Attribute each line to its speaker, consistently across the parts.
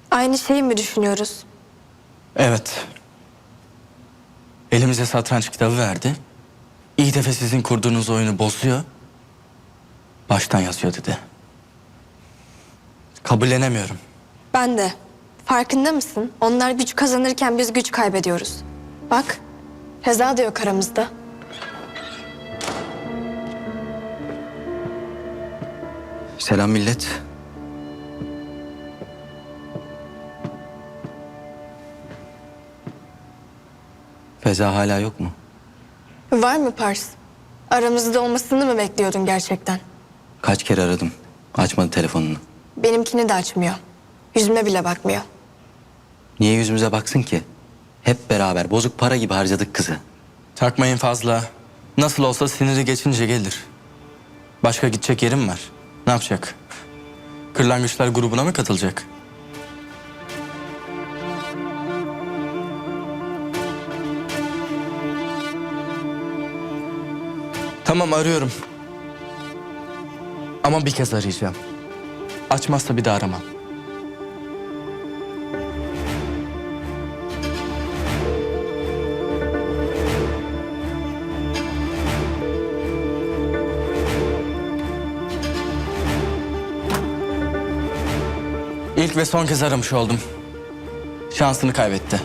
Speaker 1: Aynı şeyi mi düşünüyoruz?
Speaker 2: Evet. Elimize satranç kitabı verdi. İyi defa sizin kurduğunuz oyunu bozuyor. Baştan yazıyor dedi. Kabullenemiyorum.
Speaker 1: Ben de. Farkında mısın? Onlar güç kazanırken biz güç kaybediyoruz. Bak, Feza da yok aramızda.
Speaker 3: Selam millet. Feza hala yok mu?
Speaker 1: Var mı Pars? Aramızda olmasını mı bekliyordun gerçekten?
Speaker 3: Kaç kere aradım. Açmadı telefonunu.
Speaker 1: Benimkini de açmıyor. Yüzüme bile bakmıyor.
Speaker 3: Niye yüzümüze baksın ki? Hep beraber bozuk para gibi harcadık kızı.
Speaker 2: Takmayın fazla. Nasıl olsa siniri geçince gelir. Başka gidecek yerim var. Ne yapacak? Kırlangıçlar grubuna mı katılacak? Tamam, arıyorum. Ama bir kez arayacağım. Açmazsa bir daha aramam. İlk ve son kez aramış oldum. Şansını kaybetti.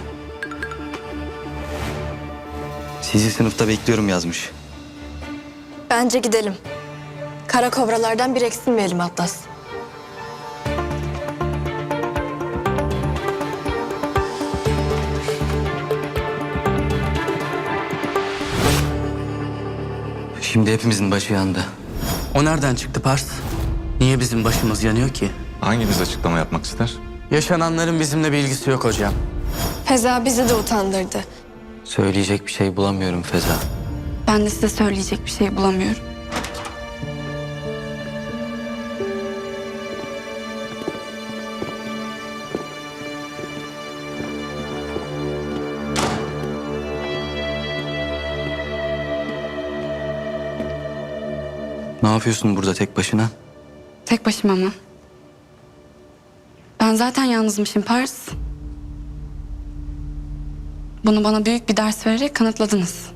Speaker 3: Sizi sınıfta bekliyorum yazmış.
Speaker 1: Bence gidelim. Kara kobralardan bir eksilmeyelim Atlas.
Speaker 3: Şimdi hepimizin başı yandı.
Speaker 2: O nereden çıktı Pars? Niye bizim başımız yanıyor ki?
Speaker 4: Hanginiz açıklama yapmak ister?
Speaker 2: Yaşananların bizimle bir ilgisi yok hocam.
Speaker 1: Feza bizi de utandırdı.
Speaker 3: Söyleyecek bir şey bulamıyorum Feza.
Speaker 5: Ben de size söyleyecek bir şey bulamıyorum.
Speaker 3: Ne yapıyorsun burada tek başına?
Speaker 5: Tek başıma mı? Ben zaten yalnızmışım Pars. Bunu bana büyük bir ders vererek kanıtladınız.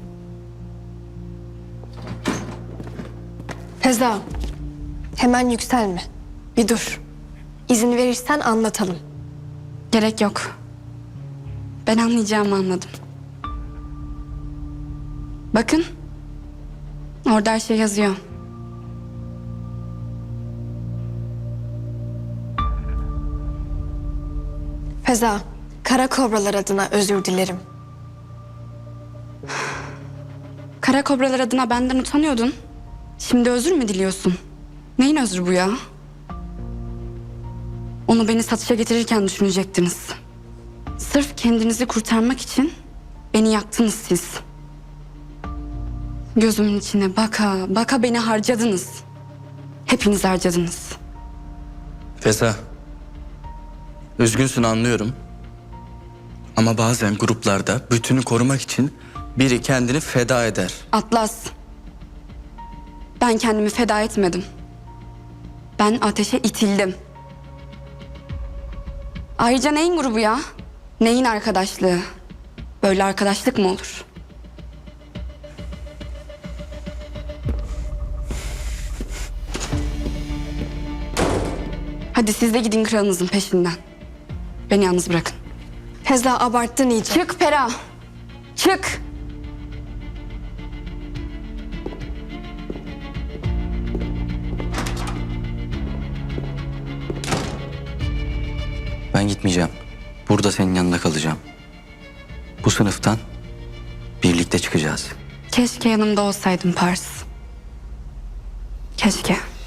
Speaker 1: Feza, hemen yükselme. Bir dur. İzin verirsen anlatalım.
Speaker 5: Gerek yok. Ben anlayacağımı anladım. Bakın. Orada her şey yazıyor.
Speaker 1: Feza, kara kobralar adına özür dilerim.
Speaker 5: Kara kobralar adına benden utanıyordun. Şimdi özür mü diliyorsun? Neyin özrü bu ya? Onu beni satışa getirirken düşünecektiniz. Sırf kendinizi kurtarmak için beni yaktınız siz. Gözümün içine baka baka beni harcadınız. Hepiniz harcadınız.
Speaker 2: Feza. Üzgünsün, anlıyorum. Ama bazen gruplarda bütünü korumak için biri kendini feda eder.
Speaker 5: Atlas. Ben kendimi feda etmedim. Ben ateşe itildim. Ayrıca neyin grubu ya? Neyin arkadaşlığı? Böyle arkadaşlık mı olur? Hadi siz de gidin kralınızın peşinden. Beni yalnız bırakın.
Speaker 1: Feza, abarttın iyice.
Speaker 5: Çık Pera. Çık.
Speaker 3: Ben gitmeyeceğim. Burada senin yanında kalacağım. Bu sınıftan birlikte çıkacağız.
Speaker 5: Keşke yanımda olsaydın Pars. Keşke.